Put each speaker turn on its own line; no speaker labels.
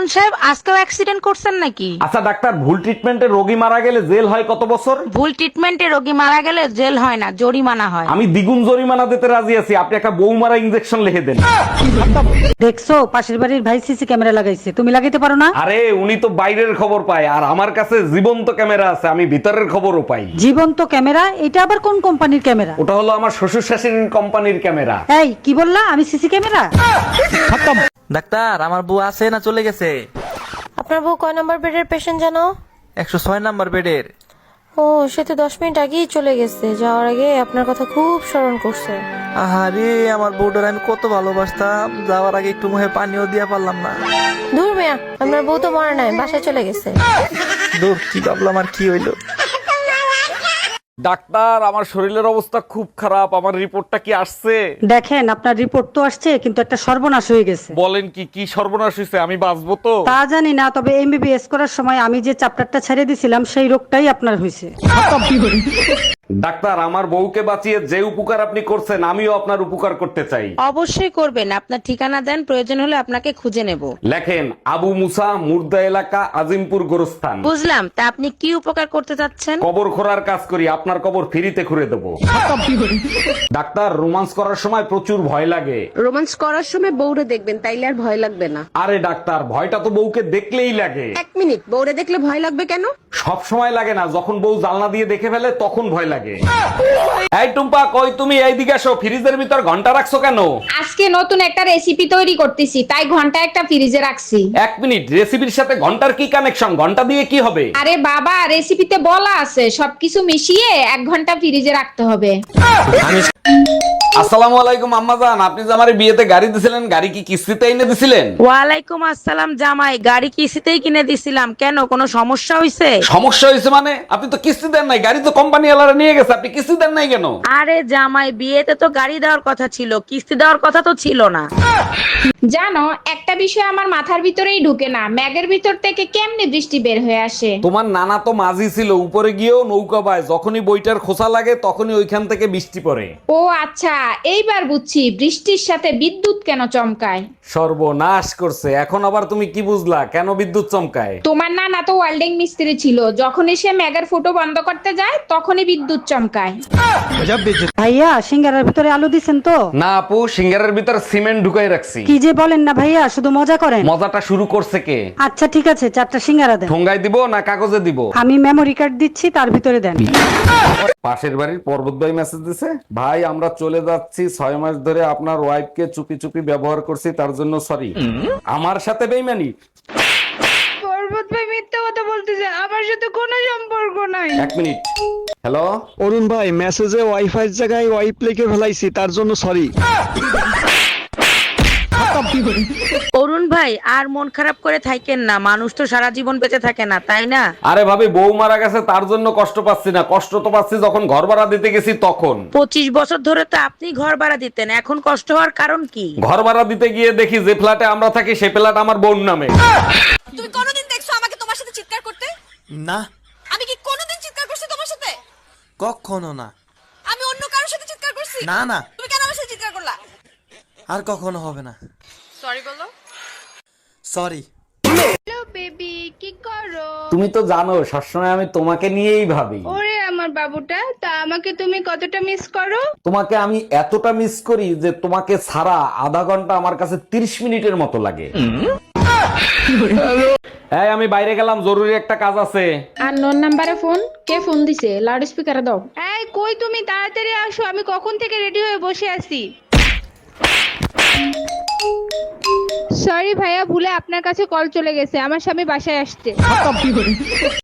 অরুণ সাহেব আজকেও অ্যাক্সিডেন্ট করছেন নাকি?
আচ্ছা ডাক্তার, ভুল ট্রিটমেন্টে রোগী মারা গেলে জেল হয় কত বছর?
ভুল ট্রিটমেন্টে রোগী মারা গেলে জেল হয় না, জরিমানা হয়।
আমি দ্বিগুণ জরিমানা দিতে রাজি আছি, আপনি একটা বউ মারা ইনজেকশন লিখে দেন।
দেখছো পাশের বাড়ির ভাই সিসি ক্যামেরা লাগাইছে, তুমি লাগাইতে পারো না?
আরে উনি তো বাইরের খবর পায়, আর আমার কাছে জীবন্ত ক্যামেরা আছে, আমি ভিতরের খবরও পাই।
জীবন্ত ক্যামেরা? এটা আবার কোন কোম্পানির ক্যামেরা?
ওটা হলো আমার শ্বশুর শাশুড়ির কোম্পানির ক্যামেরা।
এই কি বললা? আমি সিসি ক্যামেরা?
ডাক্তার, আমার বউ আছে না চলে গেছে?
আপনার বউ কয় নম্বর বেডের পেশেন্ট জানো?
106 নাম্বার বেডের।
ও, সে তো 10 মিনিট আগেই চলে গেছে। যাওয়ার আগে আপনার কথা খুব স্মরণ করছে।
আহারে, আমার বউটার আমি কত ভালোবাসতাম, যাওয়ার আগে একটু মুখে পানিও দিয়া পারলাম না।
দূর মিয়া, আপনার বউ তো মরে নাই, বাসায় চলে গেছে।
দূর, কি ভাবলাম আর কি হইলো।
ডাক্তার, আমার শরীরের অবস্থা খুব খারাপ, আমার রিপোর্টটা কি আসছে?
দেখেন আপনার রিপোর্ট তো আসছে, কিন্তু একটা সর্বনাশ হয়ে গেছে।
বলেন কি, কি সর্বনাশ হয়েছে? আমি বাঁচবো তো?
তা জানি না, তবে এমবিবিএস করার সময় আমি যে চ্যাপ্টারটা ছেড়ে দিছিলাম সেই রোগটাই আপনার হয়েছে।
ডাক্তার, আমার বউকে বাঁচিয়ে যে উপকার আপনি করছেন, আমিও আপনার উপকার করতে চাই।
অবশ্যই করবেন। আপনার ঠিকানা দেন, প্রয়োজন হলে আপনাকে খুঁজে নেব।
লেখেন, আবু মুসা, মুর্দা এলাকা, আজিমপুর গোরস্থান।
বুঝলাম, তা আপনি কি উপকার করতে চাচ্ছেন?
কবর খোঁড়ার কাজ করি, আপনার কবর ফ্রিতে খুঁড়ে দেবো। ডাক্তার, রোমান্স করার সময় প্রচুর ভয় লাগে।
রোমান্স করার সময় বউরে দেখবেন, তাইলে আর ভয় লাগবে না।
আরে ডাক্তার, ভয়টা তো বউকে দেখলেই লাগে।
1 মিনিট, বউরে দেখলে ভয় লাগবে কেন?
সব সময় লাগে না, যখন বউ জানলা দিয়ে দেখে ফেলে তখন ভয় লাগে। এই টুম্পা, কই তুমি? এইদিকে আসো। ফ্রিজের ভিতর ঘন্টা রাখছো কেন?
আজকে নতুন একটা রেসিপি তৈরি করতেছি, তাই ঘন্টা একটা ফ্রিজে রাখছি।
1 মিনিট, রেসিপির সাথে ঘন্টার কি কানেকশন? ঘন্টা দিয়ে কি হবে?
আরে বাবা, রেসিপিতে বলা আছে সবকিছু মিশিয়ে 1 ঘন্টা ফ্রিজে রাখতে হবে।
আসসালামু আলাইকুম আম্মাজান, আপনি যে আমার বিয়েতে গাড়ি দিছিলেন, গাড়ি কি কিস্তিতে এনে দিছিলেন?
ওয়ালাইকুম আসসালাম জামাই, গাড়ি কিস্তিতেই কিনে দিছিলাম। কেন, কোনো সমস্যা হয়েছে?
সমস্যা হয়েছে মানে? আপনি তো কিস্তি দেন নাই, গাড়ি তো কোম্পানি ওয়ালারা নিয়ে গেছে, আপনি কিস্তি দেন নাই কেন?
আরে জামাই, বিয়েতে তো গাড়ি দেওয়ার কথা ছিল, কিস্তি দেওয়ার কথা তো ছিল না।
জানো, একটা বিষয় আমার মাথার ভিতরেই ঢুকে না, ম্যাগের ভিতর থেকে কেমনে বৃষ্টি বের হয়ে আসে?
তোমার নানা তো মাঝি ছিল, উপরে গিয়েও নৌকা পায়, যখনই বইটার খোসা লাগে তখনই ওইখান থেকে বৃষ্টি পড়ে।
ও আচ্ছা, এইবার বুঝছি বৃষ্টির সাথে বিদ্যুৎ কেন চমকায়।
সর্বনাশ করছে, এখন আবার তুমি কি বুঝলা কেন বিদ্যুৎ চমকায়?
তোমার নানা তো ওয়েল্ডিং মিস্ত্রি ছিল, যখনই সে ম্যাগের ফুটো বন্ধ করতে যায় তখনই বিদ্যুৎ চমকায়।
ভাইয়া, সিঙ্গারার ভিতরে আলু দিছেন তো?
না আপু, সিঙ্গারের ভিতর সিমেন্ট ঢুকাই রাখছি।
কি যে বলেন না ভাইয়া, শুধু মজা করেন।
মজাটা শুরু করছে কে?
আচ্ছা ঠিক আছে, 4টা সিঙ্গারা দেন।
ঠোঙ্গায় দিব না কাগজে দিব?
আমি মেমোরি কার্ড দিচ্ছি, তার ভিতরে দেন।
পাশের বাড়ির পর্বত ভাই মেসেজ দিছে, ভাই আমরা চলে যাচ্ছি, 6 মাস ধরে আপনার ওয়াইফকে চুপি চুপি ব্যবহার করছি, তার জন্য সরি। আমার সাথে বেইমানি?
পর্বত ভাই মিথ্যা কথা বলতেছে, আমার সাথে কোনো সম্পর্ক নাই।
1 মিনিট। হ্যালো
অরুণ ভাই, মেসেজে ওয়াইফাই এর জায়গায় ওয়াইপ লিখে ফেলাইছি, তার জন্য সরি।
অরুণ ভাই, আর মন খারাপ করে থাকেন না, মানুষ তো সারা জীবন বেঁচে থাকে না, তাই না?
আরে ভাবি, বউ মারা গেছে তার জন্য কষ্ট পাচ্ছি না, কষ্ট তো পাচ্ছি যখন ঘর ভাড়া দিতে গেছি তখন।
25 বছর ধরে তো আপনি ঘর ভাড়া দিতেন, এখন কষ্ট হওয়ার কারণ কি?
ঘর ভাড়া দিতে গিয়ে দেখি যে ফ্ল্যাটে আমরা থাকি সে ফ্ল্যাট আমার বোন নামে।
তুমি কোনোদিন দেখছো আমাকে তোমার সাথে চিৎকার করতে?
না,
আমি কি কোনোদিন চিৎকার করছি তোমার সাথে?
কখনো না।
আমি অন্য কারোর সাথে চিৎকার করছি?
না না,
তুমি কেন আমার সাথে চিৎকার করলা?
আর কখনো হবে না।
সরি বলো।
সরি।
হ্যালো বেবি, কি করো?
তুমি তো জানো সবসময় আমি তোমাকে নিয়েই ভাবি।
ওরে আমার বাবুটা, তা আমাকে তুমি কতটা মিস করো?
তোমাকে আমি এতটা মিস করি যে তোমাকে ছাড়া আধা ঘন্টা আমার কাছে 30 মিনিটের মতো লাগে। এই আমি বাইরে গেলাম, জরুরি একটা কাজ আছে।
আর নোন নাম্বারে ফোন, কে ফোন দিছে? লাউড স্পিকারে দাও। এই কই তুমি, তাড়াতাড়ি আসো, আমি কখন থেকে রেডি হয়ে বসে আছি। সরি ভাইয়া, ভুলে আপনার কাছে কল চলে গেছে, আমার স্বামী বাসায় আসছে।